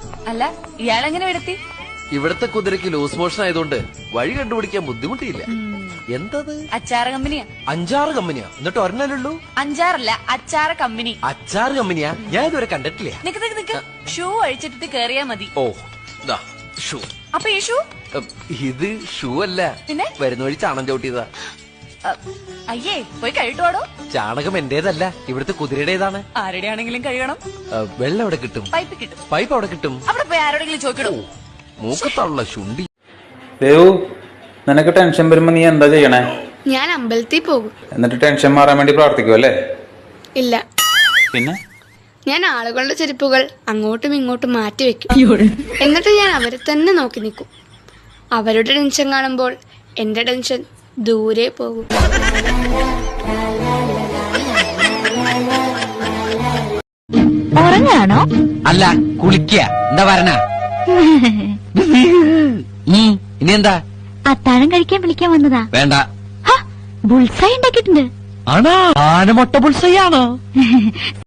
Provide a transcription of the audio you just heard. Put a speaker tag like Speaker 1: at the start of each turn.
Speaker 1: അല്ല ഇയാളെങ്ങനെ വിടത്തി?
Speaker 2: ഇവിടത്തെ കുതിരക്ക് loose motion ആയതുകൊണ്ട് വഴി കണ്ടുപിടിക്കാൻ ബുദ്ധിമുട്ടിയില്ല. എന്തത്?
Speaker 1: അച്ചാർ കമ്പനിയാ.
Speaker 2: 5-6 കമ്പനിയാ? എന്നിട്ട് ഒരെണ്ണല്ലുള്ളൂ?
Speaker 1: 5-6 അച്ചാർ കമ്പനി.
Speaker 2: അച്ചാറ് കമ്പനിയാ? ഞാൻ ഇതുവരെ കണ്ടിട്ടില്ല.
Speaker 1: നിക്ക് ഷൂ അഴിച്ചിട്ടിട്ട് കേറിയാ മതി.
Speaker 2: ഓ ദാ ഷൂ.
Speaker 1: അപ്പൊ ഈ ഷൂ?
Speaker 2: ഇത് ഷൂ അല്ല,
Speaker 1: പിന്നെ
Speaker 2: വരുന്ന വഴി ചാണം ചവിട്ടിയതാ.
Speaker 1: അയ്യേ പോയി കഴുകിട്ടോടോ.
Speaker 2: ചാണകം എന്റേതല്ല, ഇവിടുത്തെ കുതിരയുടേതാണ്.
Speaker 1: ആരുടെ ആണെങ്കിലും കഴുകണം.
Speaker 2: വെള്ളം എവിടെ കിട്ടും?
Speaker 1: പൈപ്പ് കിട്ടും.
Speaker 2: പൈപ്പ് അവിടെ കിട്ടും.
Speaker 1: അവിടെ പോയി ആരോടെങ്കിലും ചോദിക്കണോ?
Speaker 2: മൂക്കത്തുള്ള ശുണ്ടി.
Speaker 3: ദേവു, നിനക്ക് ടെൻഷൻ വരുമ്പോ നീ എന്താ ചെയ്യണേ?
Speaker 4: ഞാൻ അമ്പലത്തിൽ പോകും.
Speaker 3: എന്നിട്ട് ടെൻഷൻ മാറാൻ വേണ്ടി പ്രാർത്ഥിക്കും അല്ലേ?
Speaker 4: ഇല്ല.
Speaker 3: പിന്നെ
Speaker 4: ഞാൻ ആളുകളുടെ ചെരുപ്പുകൾ അങ്ങോട്ടും ഇങ്ങോട്ടും മാറ്റി വെക്കും. എന്നിട്ട് ഞാൻ അവരെ തന്നെ നോക്കി നിൽക്കും. അവരുടെ ടെൻഷൻ കാണുമ്പോൾ എന്റെ ടെൻഷൻ ദൂരെ പോകും.
Speaker 5: ഉറങ്ങാണോ?
Speaker 2: അല്ല, കുളിക്കുക. എന്താ വരണ? ഇനി എന്താ?
Speaker 5: അത്താഴം കഴിക്കാൻ വിളിക്കാൻ വന്നതാ.
Speaker 2: വേണ്ട.
Speaker 5: ബുൾസൈ ഉണ്ടാക്കിയിട്ടുണ്ട്.
Speaker 2: ആണോ? ആനമൊട്ട ബുൾസൈ ആണോ?